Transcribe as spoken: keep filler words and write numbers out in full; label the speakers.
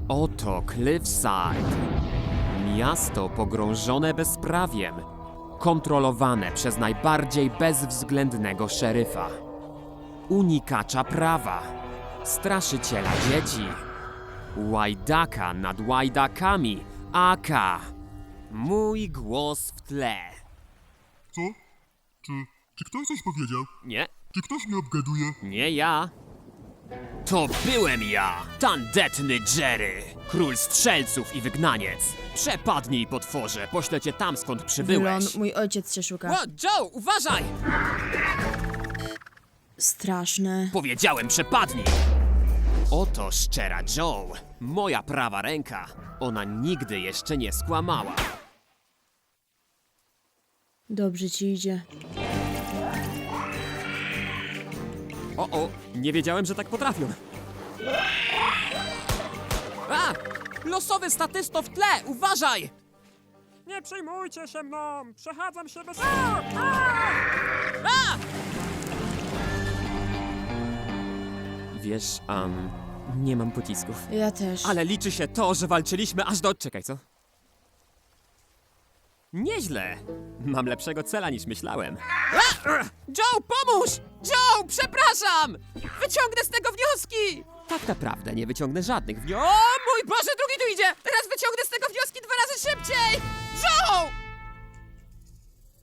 Speaker 1: Oto Cliffside. Miasto pogrążone bezprawiem, kontrolowane przez najbardziej bezwzględnego szeryfa. Unikacza prawa, straszyciela dzieci, łajdaka nad łajdakami, aka mój głos w tle.
Speaker 2: Co? Czy, czy ktoś coś powiedział?
Speaker 1: Nie,
Speaker 2: Czy ktoś mnie obgaduje?
Speaker 1: nie ja. To byłem ja, tandetny Jerry, król strzelców i wygnaniec. Przepadnij, potworze, poślę cię tam, skąd
Speaker 3: Wylon,
Speaker 1: przybyłeś.
Speaker 3: mój ojciec cię szuka.
Speaker 1: O, Joe, uważaj!
Speaker 3: Straszne.
Speaker 1: Powiedziałem, przepadnij! Oto szczera Joe, moja prawa ręka. Ona nigdy jeszcze nie skłamała.
Speaker 3: Dobrze ci idzie.
Speaker 1: O, o, nie wiedziałem, że tak potrafią. A! Losowy statysto w tle, uważaj!
Speaker 4: Nie przejmujcie się mną! Przechadzam się bez...
Speaker 1: A! Wiesz, um, nie mam pocisków.
Speaker 3: Ja też.
Speaker 1: Ale liczy się to, że walczyliśmy aż do... Czekaj, co? Nieźle. Mam lepszego cela niż myślałem. A! Joe, pomóż! Joe, przepraszam! Wyciągnę z tego wnioski! Tak naprawdę nie wyciągnę żadnych wniosków. O mój Boże, drugi tu idzie! Teraz wyciągnę z tego wnioski dwa razy szybciej! Joe!